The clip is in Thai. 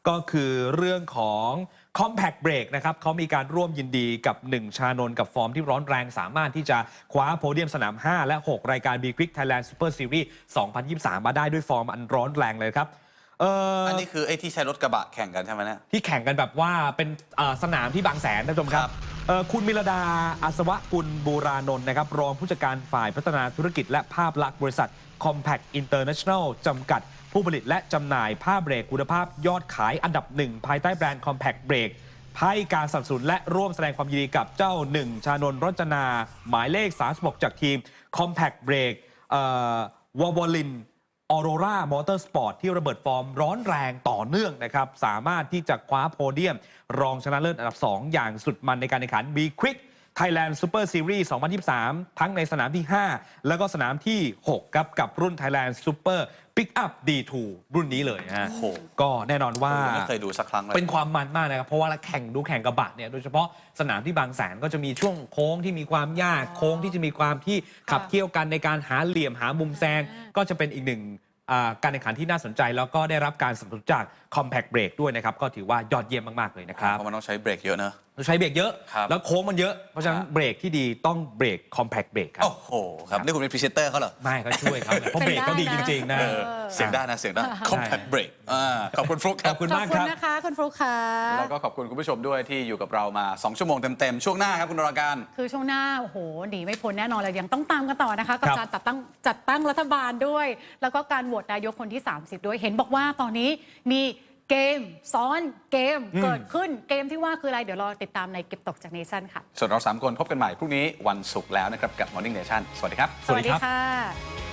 ก็คือเรื่องของ Compact Break นะครับเขามีการร่วมยินดีกับ1ชานนท์กับฟอร์มที่ร้อนแรงสามารถที่จะคว้าโพเดียมสนาม 5 และ 6 รายการ B Quick Thailand Super Series 2023 มาได้ด้วยฟอร์มอันร้อนแรงเลยครับอันนี้คือไอ้ที่ใช้รถกระบะแข่งกันใช่ไหมเนี่ยที่แข่งกันแบบว่าเป็นสนามที่บางแสนท่านผู้ชมครับคุณมิรดาอาสวะกุลบูรานนท์นะครับรองผู้จัดการฝ่ายพัฒนาธุรกิจและภาพลักษณ์บริษัท Compact International จำกัดผู้ผลิตและจำหน่ายผ้าเบรกคุณภาพยอดขายอันดับหนึ่งภายใต้แบรนด์ Compact Break ให้การสนับสนุนและร่วมแสดงความยินดีกับเจ้า1ชานนท์รจนาหมายเลข36จากทีม Compact Break วอลลินออโรรามอเตอร์สปอร์ตที่ระเบิดฟอร์มร้อนแรงต่อเนื่องนะครับสามารถที่จะคว้าโพเดียมรองชนะเลิศอันดับ 2 อย่างสุดมันในการแข่งขัน B Quick Thailand Super Series 2023 ทั้งในสนามที่ 5 แล้วก็สนามที่ 6 ครับกับรุ่น Thailand Super Pickup D2 รุ่นนี้เลยฮะก็แน่นอนว่าไม่เคยดูสักครั้งเลยเป็นความมันมากนะครับเพราะว่าแข่งกระบะเนี่ยโดยเฉพาะสนามที่บางแสนก็จะมีช่วงโค้งที่มีความยากโค้งที่จะมีความที่ขับเคี่ยวกันในการหาเหลี่ยมหามุมแซงก็จะเป็นอีกหนึ่งการแข่งขันที่น่าสนใจแล้วก็ได้รับการสนับสนุนจาก Compact Break ด้วยนะครับก็ถือว่ายอดเยี่ยมมากๆเลยนะครับเพราะมันต้องใช้เบรกเยอะเนอะใช้เบรกเยอะแล้วโค้งมันเยอะเพราะฉะนั้นเบรกที่ดีต้องเบรก Compact Break ครับโอ้โหครับนี่คุณเป็นพรีเซนเตอร์เขาเหรอไม่ก็ช่วยเขาเพราะเบรกเขาดีจริงๆนะเสียงได้นะเสียงได้ Compact Break ขอบคุณฟลุ๊กครับขอบคุณมากครับขอบคุณนะคะคุณฟลุ๊กค่ะแล้วก็ขอบคุณคุณผู้ชมด้วยที่อยู่กับเรามา2ชั่วโมงเต็มๆช่วงหน้าครับคุณนราการคือช่วงหน้าโอ้โหหนีไม่พ้นแน่นอนเลยยังต้องตามกันต่อนะคะกับการจัดตั้งรัฐบาลด้วยแล้วก็การโหวตนายกคนที่30ด้วยเห็นบอกว่าตอนนี้มีเกมซ้อนเกมเกิดขึ้นเกมที่ว่าคืออะไรเดี๋ยวรอติดตามในเก็บตกจากเนชั่นค่ะส่วนเรา3คนพบกันใหม่พรุ่งนี้วันศุกร์แล้วนะครับกับ Morning Nation สวัสดีครับสวัสดีค่ะ